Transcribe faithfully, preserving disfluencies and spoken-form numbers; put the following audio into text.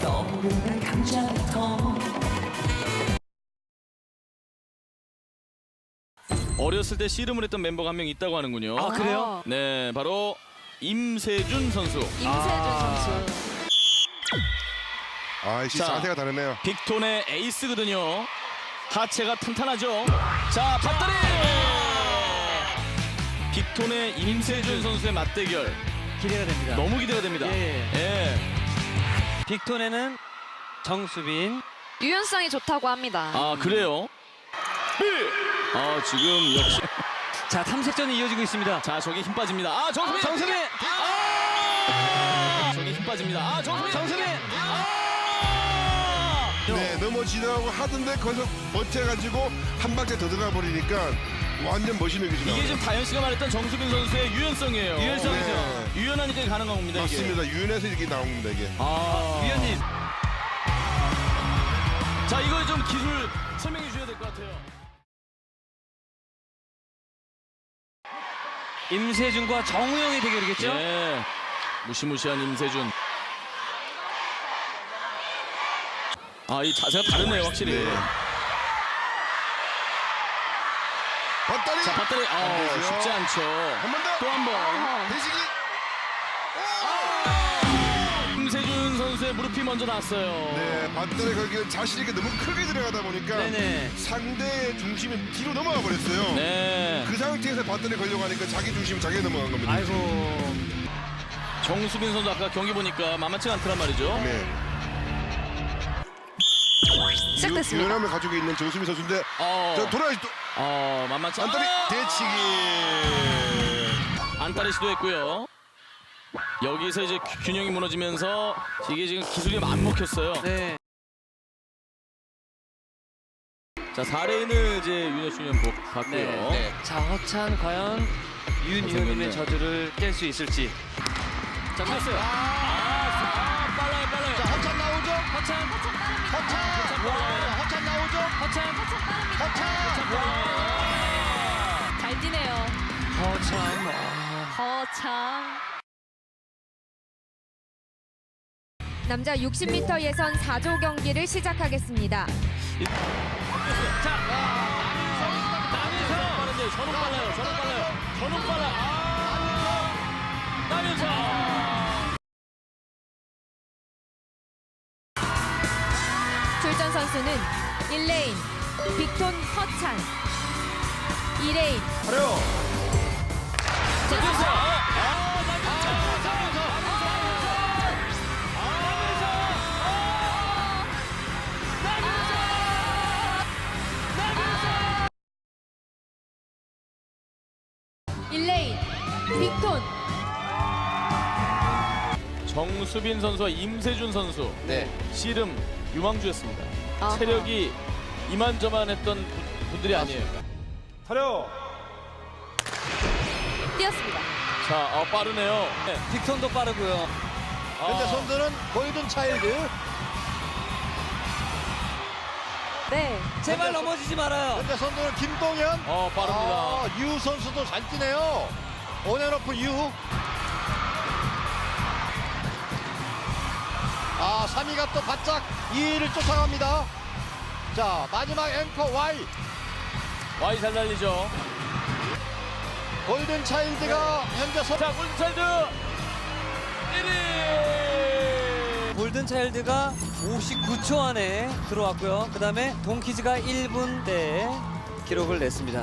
떠오르는 감정부터 어렸을 때 씨름을 했던 member가 한 명 있다고 하는군요. 아, 그래요? 네, 바로 임세준 선수. 임세준 아. 선수. 아, 역시 자. 자세가 다르네요. 빅톤의 에이스거든요. 하체가 탄탄하죠. 자, 밧다리! 빅톤의 임세준 선수의 맞대결 기대가 됩니다. 너무 기대가 됩니다. 예. 예. 빅톤에는 정수빈. 유연성이 좋다고 합니다. 아, 그래요? 아, 지금 역시 자, 탐색전이 이어지고 있습니다. 자, 저기 힘 빠집니다. 아, 정수빈! 정수빈! 아! 저기 힘 빠집니다. 아, 정수빈! 정수빈! 아! 네, 넘어지려고 하던데 거기서 버텨가지고 한 박자 더 들어가 버리니까 완전 멋있는 기술. 이게 지금 다현 씨가 말했던 정수빈 선수의 유연성이에요. 유연성이죠. 네. 유연하니까 가능한 겁니다. 이게. 맞습니다. 유연해서 이렇게 나온 겁니다, 이게. 아, 위원님. 자, 이거 좀 기술 설명해 주셔야 될 것 같아요. 임세준과 정우영의 대결이겠죠? 예. 무시무시한 임세준. 아, 이 자세가 다르네요, 확실히. 네. 밧다리! 자, 밧다리. 안 아, 되죠. 쉽지 않죠. 한 번 더! 또 한 번. 대식이! 임세준 선수의 무릎이 먼저 났어요. 네, 밧다리 거기를 자신 있게 너무 크게 들어가다 보니까 네네. 상대의 중심이 뒤로 넘어가 버렸어요. 네. 그 상태에서 밧다리 걸려고 하니까 자기 중심이 자기가 넘어간 겁니다. 아이고. 정수빈 선수 아까 경기 보니까 만만치가 않더란 말이죠. 네. 시작됐습니다. 유연함을 가지고 있는 정수민 선수인데 어, 저 돌아야지 또 어, 만만치 않 안다리 아! 대치기. 안따리 시도했고요. 여기서 이제 균- 균형이 무너지면서 이게 지금 기술이 안 먹혔어요. 네. 자, 사 레인을 이제 윤여춘 연복 봤고요. 네. 네. 자, 허찬 과연 윤희호님의 잘생겼네. 저주를 깰 수 있을지. 자, 켰어요. 아, 아, 빨라요, 빨라요. 자, 허찬 나오죠? 허찬. 허찬! 허찬 와, 빠르네. 허찬 나오죠? 허찬. 허찬! 잘 뛰네요. 허찬. 와. 거참. 남자 육십 미터 예선 사 조 경기를 시작하겠습니다. 자, 남윤서 빠른데 저는 빨라요. 저는 빨라요. 저는 빨라. 아, 남윤서. 출전 선수는 일 레인 빅톤 허찬, 이 레인 자, 됐어. 아, 일 레인 빅톤. 정수빈 선수와 임세준 선수. 네. 씨름 유망주였습니다. 아하. 체력이 이만저만했던 분- 분들이 아니에요. 뛰었습니다. 자, 어, 빠르네요. 네. 빅톤도 빠르고요. 현재 아, 선두는 골든 차일드. 네. 제발 넘어지지 말아요. 현재 선두는 김동현. 어, 빠릅니다. 아, 유 선수도 잘 뛰네요. 온앤오프 유. 아, 삼 위가 또 바짝 이 위를 쫓아갑니다. 자, 마지막 앵커 Y. 와이 잘 달리죠. 골든 차일드가 현재 선. 자, 골든차일드 일 위. 골든차일드가 오십구 초 안에 들어왔고요. 그 다음에 동키즈가 일 분대 기록을 냈습니다.